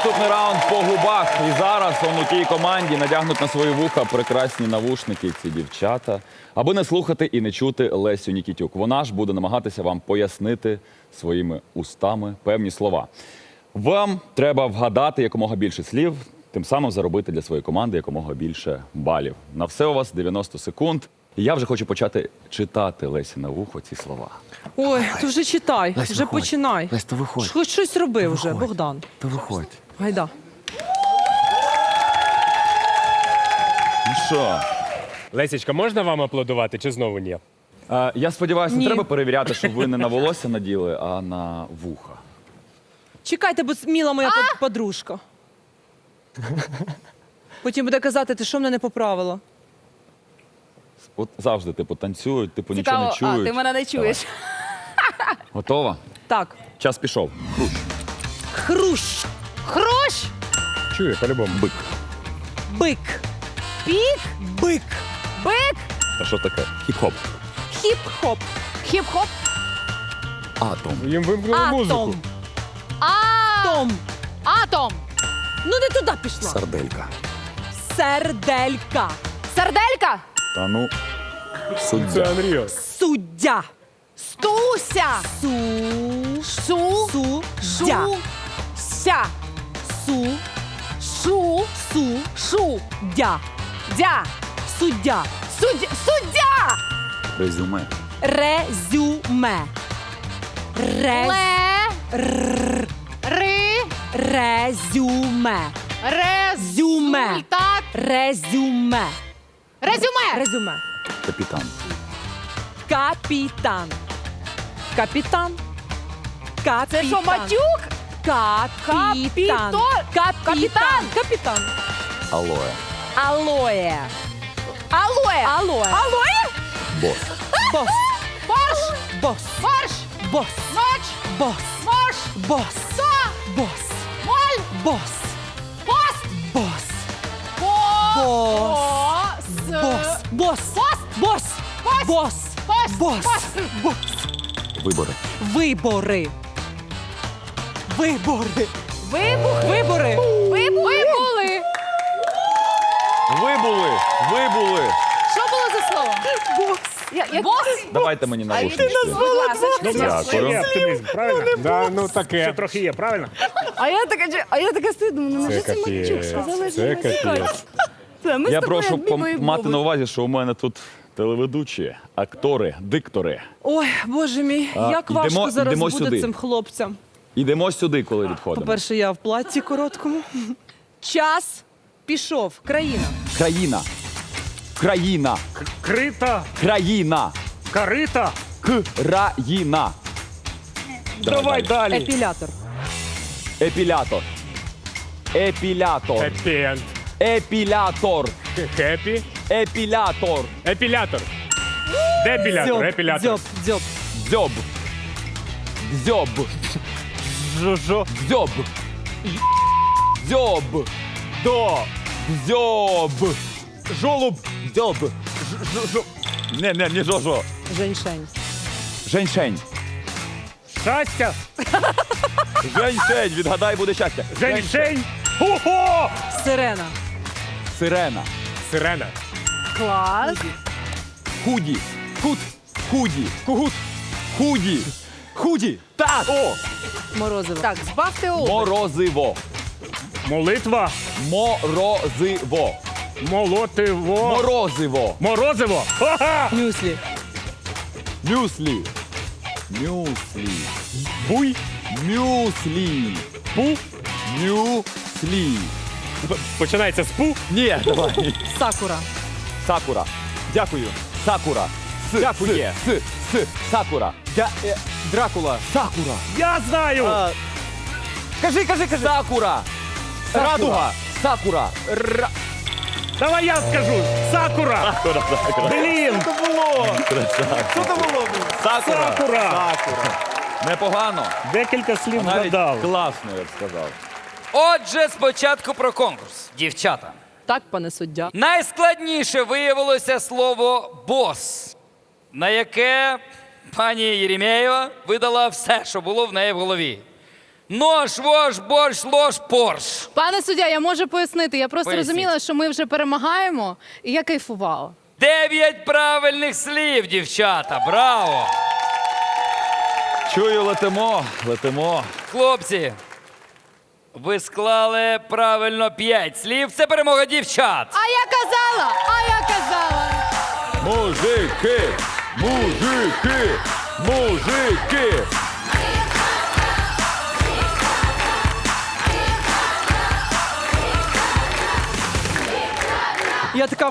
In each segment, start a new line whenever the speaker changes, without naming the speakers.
Наступний раунд по губах. І зараз он у тій команді надягнуть на свої вуха прекрасні навушники ці дівчата, аби не слухати і не чути Лесю Нікітюк. Вона ж буде намагатися вам пояснити своїми устами певні слова. Вам треба вгадати якомога більше слів, тим самим заробити для своєї команди якомога більше балів. На все у вас 90 секунд. І я вже хочу почати читати Лесі на вухо ці слова.
Ой, ти вже читай,
Лесь,
вже
виходь.
починай.
Лесь, то виходь.
Хоч щось роби вже,
Виходь.
Богдан.
То виходь.
Гайда.
Ну що?
Лесічка, можна вам аплодувати чи знову ні?
Я сподіваюся, не
Ні.
треба перевіряти, щоб ви не на волосся наділи, а на вуха.
Чекайте, бо міла моя подружка. Потім буде казати, ти що мене не поправила?
От завжди, типу, танцюють, типу, нічого не
Цікаво,
чують.
ти мене не чуєш.
Готова?
Так.
Час пішов. Хрущ.
Хрущ,
Хрущ,
Чую, по-любому.
Бик.
бик,
пік,
бик,
бик,
А що таке? Хіп-хоп.
хіп-хоп,
хіп-хоп,
Атом.
Їм вимкнули музику.
атом,
а,
том.
атом,
Ну не туди пішла.
Сарделька.
Серделька,
серделька,
Та ну.
Це
Суддя.
Unreal.
суддя,
стуся,
су,
шу,
суддя,
шу, ся,
су,
шу,
су,
шу,
дя,
дя,
суддя,
суддя,
Резюме.
резюме, рез,
ле, ри,
резюме,
результат,
резюме,
резюме,
резюме,
Капітан.
капітан, капітан, капітан.
Це що, матюк?
Капітан.
Капітан.
Капітан.
Алоє.
Алоє.
Алоє,
Алоє.
алоє,
Бос.
Бос.
борщ,
Бос.
борщ,
Бос.
ноч,
Бос.
борщ,
Бос.
со,
Бос.
моль,
Бос.
пост,
Бос.
бос,
Бос. Бос. Бос. Бос.
пост,
Бос.
пост,
Бос.
Вибори.
Вибори. Вибори.
вибух,
Вибори.
вибули.
Вибули. Вибули.
Що було за слово?
Бос.
Бос?
Давайте мені навушнички.
Будь ласка.
Дякую.
Є оптимізм, правильно? Да, ну таке. Ще трохи є, правильно?
А я така стою, думаю, ну
Це
може це матюк, сказали,
капець.
що
Це
матюк.
капець.
Ми
Я
з тобою
прошу
обмінюємо
мати на
мови.
увазі, що у мене тут телеведучі, актори, диктори.
Ой, Боже мій, як важко зараз
йдемо
буде
сюди.
цим хлопцям.
Ідемо сюди, коли відходимо.
По-перше, я в платці короткому. Час пішов. Країна.
Країна. Країна.
Крита,
Країна.
карита.
Країна.
Давай далі.
Епілятор.
Епілятор. Епілятор.
Хеппі-енд.
Епілятор.
Хеппі.
Епілятор.
Епілятор. Депілятор, епілятор.
Дзьоб.
Дзьоб. Дзьоб.
Жо-жо.
Дзьоб. Дзьоб.
До.
Дзьоб.
Жолуб.
Дзьоб. Не жо-жо.
Женьшень.
Женьшень.
Щастя.
Женьшень. Відгадай, буде щастя.
Женьшень. Ого!
Сирена.
Сирена.
Сирена.
Клас.
Худі. Кут. Худі. Кугут. Худі. Худі. Так. О.
Морозиво.
Так, збавте оберт.
Морозиво.
Молитва.
Морозиво.
Молотиво.
Морозиво.
Морозиво. Ха-ха!
Мюслі.
Мюслі. Мюслі.
Буй.
Мюслі.
Пу.
Мюслі.
Починається з пу.
Ні, давай.
Сакура.
Сакура. Дякую. Сакура.
Дякує.
Сакура.
Дракула.
Сакура.
Я знаю.
Кажи. Сакура. Радуга. Сакура.
Давай я скажу. Сакура. Блін.
Сакура.
Сакура.
Непогано.
Декілька слів
Навіть
згадав.
класно, я б сказав.
Отже, спочатку про конкурс. Дівчата.
Так, пане суддя.
Найскладніше виявилося слово «бос», на яке пані Єремєєва видала все, що було в неї в голові. Нож, вож, борщ, лож, порш.
Пане суддя, я можу пояснити. Я просто
Поясніть.
розуміла, що ми вже перемагаємо, і я кайфувала.
9 правильних слів, дівчата. Браво!
Чую, летимо, летимо.
Хлопці, ви склали правильно 5 слів. Це перемога дівчат.
А я казала! А я казала!
Мужики! Мужики! Мужики!
Я така.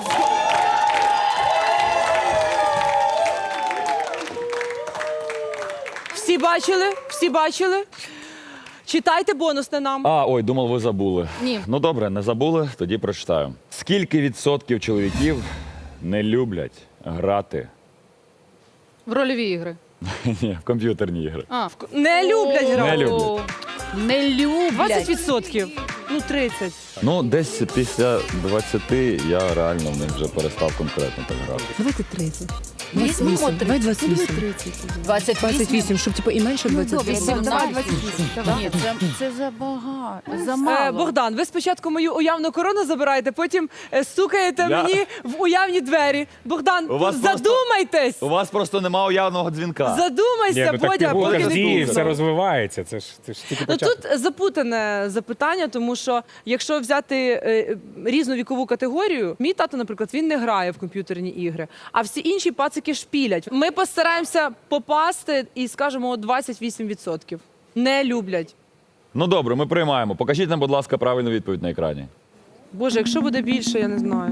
Всі бачили? Всі бачили? Читайте бонусне нам.
Ой, думав, ви забули.
Ні.
Ну добре, не забули, тоді прочитаю. Скільки відсотків чоловіків не люблять грати
В рольові ігри.
Ні, в комп'ютерні ігри?
Не люблять грати.
Не люблять.
Не люблять.
20%. Ну, 30.
Ну, десь після 20 я реально в них вже перестав конкретно так грати.
Давайте 30.
Візьмемо
28. Давай 28. 28, щоб типу і менше 28.
Ні, це забагато.
Богдан, ви спочатку мою уявну корону забираєте, потім стукаєте
Я-
мені в уявні двері. Богдан,
У вас
задумайтесь!
У вас просто нема уявного дзвінка.
Задумайся,
Ні, ну так
Бодя,
пігулка
поки
ж
не
діє,
пізно.
все розвивається. Це ж тільки
Ну
початок.
тут запутане запитання, тому що якщо взяти різну вікову категорію, мій тато, наприклад, він не грає в комп'ютерні ігри, а всі інші пацики шпілять. Ми постараємося попасти і скажемо 28%. Не люблять.
Ну добре, ми приймаємо. Покажіть нам, будь ласка, правильну відповідь на екрані.
Боже, якщо буде більше, я не знаю.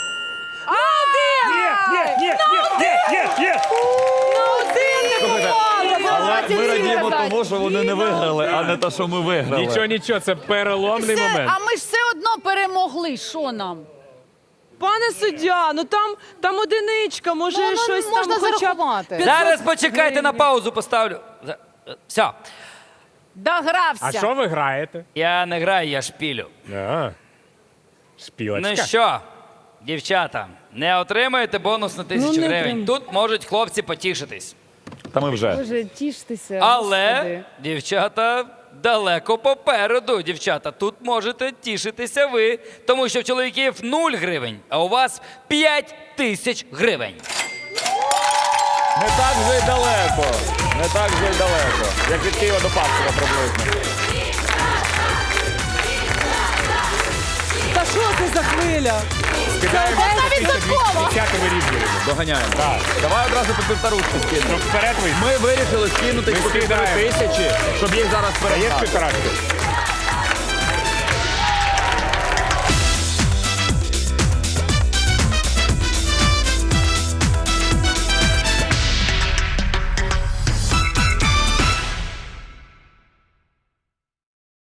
Є!
Але ми радіємо тому, що вони не виграли, а не те, що ми виграли.
Нічого, це переломний момент.
А ми ж все одно перемогли. Що нам?
Пане суддя, ну там одиничка, може
Ну,
щось
можна
там хоча б
зарахувати.
500
Зараз почекайте,
гривень.
на паузу поставлю. Все.
Догрався.
А що ви граєте?
Я не граю, я шпілю.
Шпілочка.
Ну що, дівчата, не отримаєте бонус на 1000
не
гривень.
отримаю.
Тут можуть хлопці потішитись.
Та ми вже.
Боже, тіштеся.
Але
Господи.
дівчата далеко попереду. Дівчата, тут можете тішитися ви, тому що в чоловіків 0 гривень, а у вас 5000 гривень.
Не так вже й далеко. Не так вже й далеко. Як від Києва до Павлова приблизно.
Та що це за хвиля?
Скидаємо
відсоткова.
10 вирівнюємо.
Доганяємо. Давай одразу по півторушку скинемо.
Щоб вперед вийти.
Ми вирішили скинути
Ми
по 1500,
скидаємо.
щоб їх зараз
Є
перестати.
півторашки?